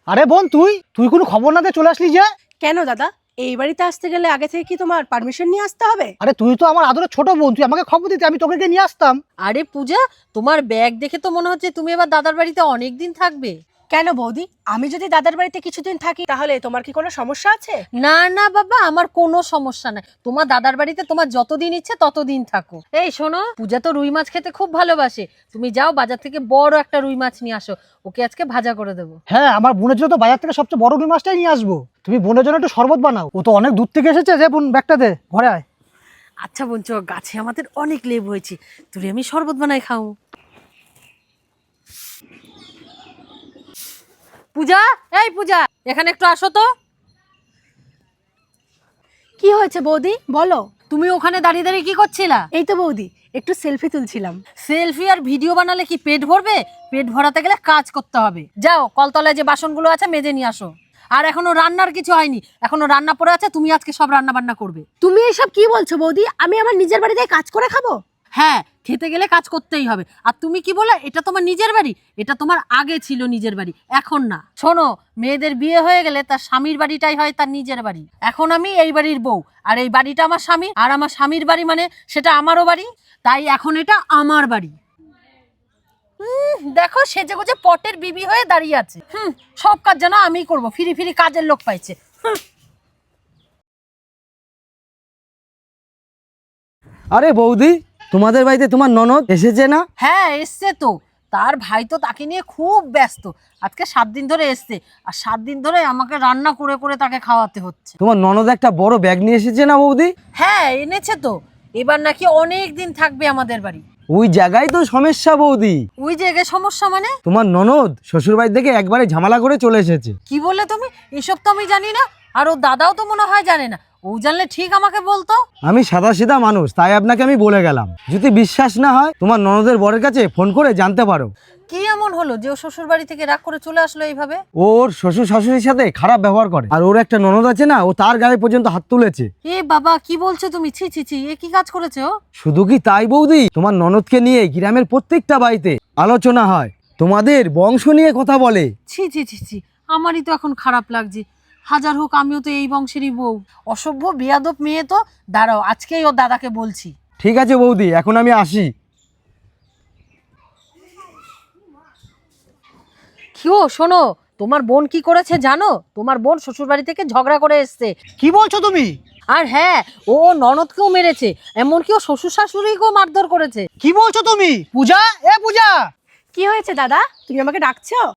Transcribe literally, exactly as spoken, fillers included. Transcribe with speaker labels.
Speaker 1: আরে বোন, তুই তুই কোনো খবর না দিয়ে চলে আসলি যে?
Speaker 2: কেন দাদা, এই বাড়িতে আসতে গেলে আগে থেকে কি তোমার পারমিশন নিয়ে আসতে হবে?
Speaker 1: আরে তুই তো আমার আদরের ছোট বোন, তুই আমাকে খবর দিতে, আমি তোকে গিয়ে নিয়ে আসতাম।
Speaker 3: আরে পূজা, তোমার ব্যাগ দেখে তো মনে হচ্ছে তুমি এবার দাদার বাড়িতে অনেক দিন থাকবে।
Speaker 2: কেন বৌদি, আমি যদি দাদার বাড়িতে কিছুদিন থাকি তাহলে তোমার কি কোনো সমস্যা আছে?
Speaker 3: না না বাবা, আমার কোনো সমস্যা নাই। তোমার দাদার বাড়িতে তোমার যতদিন ইচ্ছে ততদিন থাকো। এই শোনো, পূজা তো রুই মাছ খেতে খুব ভালোবাসে, তুমি যাও বাজার থেকে বড় একটা রুই মাছ নিয়ে আসো, ওকে আজকে ভাজা করে দেবো।
Speaker 1: হ্যাঁ, আমার বোনের জন্য তো বাজার থেকে সবচেয়ে বড় রুই মাছটাই নিয়ে আসবো। তুমি বোনের জন্য একটু শরবত বানাও, ও তো অনেক দূর থেকে এসেছে। যে বোন, ব্যাগটা দে, ঘরে আয়।
Speaker 3: আচ্ছা বোন, চ, গাছে আমাদের অনেক লেবু হয়েছে, তুই আমি শরবত বানাই খাও। পূজা, এই পূজা, এখানে একটু আসো তো।
Speaker 2: কি হয়েছে বৌদি, বলো।
Speaker 3: তুমি ওখানে দাঁড়িয়ে দাঁড়িয়ে কি করছিলা?
Speaker 2: এই তো বৌদি, একটু সেলফি তুলছিলাম।
Speaker 3: সেলফি আর ভিডিও বানালে কি পেট ভরবে? পেট ভরাতে গেলে কাজ করতে হবে। যাও কলতলায় যে বাসনগুলো আছে মেজে নিয়ে আসো। আর এখনো রান্নার কিছু হয়নি, এখনো রান্না পড়ে আছে, তুমি আজকে সব রান্না বান্না করবে।
Speaker 2: তুমি এসব কি বলছো বৌদি? আমি আমার নিজের বাড়িতে কাজ করে খাবো?
Speaker 3: হ্যাঁ, খেতে গেলে কাজ করতেই হবে। আর তুমি কি বলে, এটা তোমার নিজের বাড়ি? এটা তোমার আগে ছিল নিজের বাড়ি, এখন না। শোনো, মেয়েদের বিয়ে হয়ে গেলে তার স্বামীর বাড়িটাই হয় তার নিজের বাড়ি। এখন আমি এই বাড়ির বউ, আর এই বাড়িটা আমার স্বামী, আর আমার স্বামীর বাড়ি মানে সেটা আমারও বাড়ি, তাই এখন এটা আমার বাড়ি। হুম, দেখো সেজে গুজে পটের বিবি হয়ে দাঁড়িয়ে আছে। হুম, সব কাজ যেন আমিই করবো, ফিরি ফিরি কাজের লোক পাইছে। হুম।
Speaker 4: আরে বৌদি, তোমাদের বাড়িতে তোমার ননদ এসেছে না?
Speaker 3: হ্যাঁ এসছে তো, তার ভাই তো তাকে নিয়ে খুব ব্যস্ত। আজকে সাত দিন ধরে এসছে, আর সাত দিন ধরে আমাকে রান্না করে করে তাকে খাওয়াতে হচ্ছে।
Speaker 4: তোমার ননদ একটা বড় ব্যাগ নিয়ে এসেছে না বৌদি?
Speaker 3: হ্যাঁ এনেছে তো, এবার নাকি অনেক দিন থাকবে আমাদের বাড়ি।
Speaker 4: ওই জায়গায় তো সমস্যা বৌদি।
Speaker 3: ওই জায়গায় সমস্যা মানে?
Speaker 4: তোমার ননদ শ্বশুর বাড়ি থেকে একবারে ঝামেলা করে চলে এসেছে।
Speaker 3: কি বললে তুমি? এসব তো আমি জানি না, আর ও দাদাও তো মনে হয় জানে না। ও জানলে ঠিক আমাকে বলতো।
Speaker 4: আমি সাদা সিধা মানুষ, তাই আপনাকে আমি বলে গেলাম। যদি বিশ্বাস না হয় তোমার ননদের বরের কাছে ফোন করে জানতে পারো।
Speaker 3: কি এমন হলো যে ও শ্বশুর বাড়ি থেকে রাগ করে চলে আসলো এইভাবে?
Speaker 4: ওর শ্বশুর শাশুড়ির সাথে খারাপ ব্যবহার করে, আর ওর একটা ননদ আছে না, ও তার গায়ে পর্যন্ত হাত তুলেছে।
Speaker 3: এ বাবা, কি বলছো তুমি? ছি ছি ছি, এ কি কাজ করেছে ও?
Speaker 4: শুধু কি তাই বৌদি, তোমার ননদকে নিয়ে গ্রামের প্রত্যেকটা বাড়িতে আলোচনা হয়, তোমাদের বংশ নিয়ে কথা বলে।
Speaker 3: ছি ছি ছি ছি, আমারই তো এখন খারাপ লাগছে। হাজার হোক আমিও তো এই বংশেরই বউ। অসভ্য বেয়াদব মেয়ে তো। দাঁড়াও, আজকেই ওর দাদাকে বলছি।
Speaker 4: ঠিক আছে বৌদি, এখন আমি আসি।
Speaker 3: কি ও শোনো, তোমার বোন কি করেছে জানো? তোমার বোন শ্বশুর বাড়ি থেকে ঝগড়া করে এসছে।
Speaker 1: কি বলছো তুমি?
Speaker 3: আর হ্যাঁ, ও ওর ননদকেও মেরেছে, এমনকি ও শ্বশুর শাশুড়িকেও মারধর করেছে।
Speaker 1: কি বলছো তুমি? পূজা, এ পূজা!
Speaker 2: কি হয়েছে দাদা, তুমি আমাকে ডাকছো?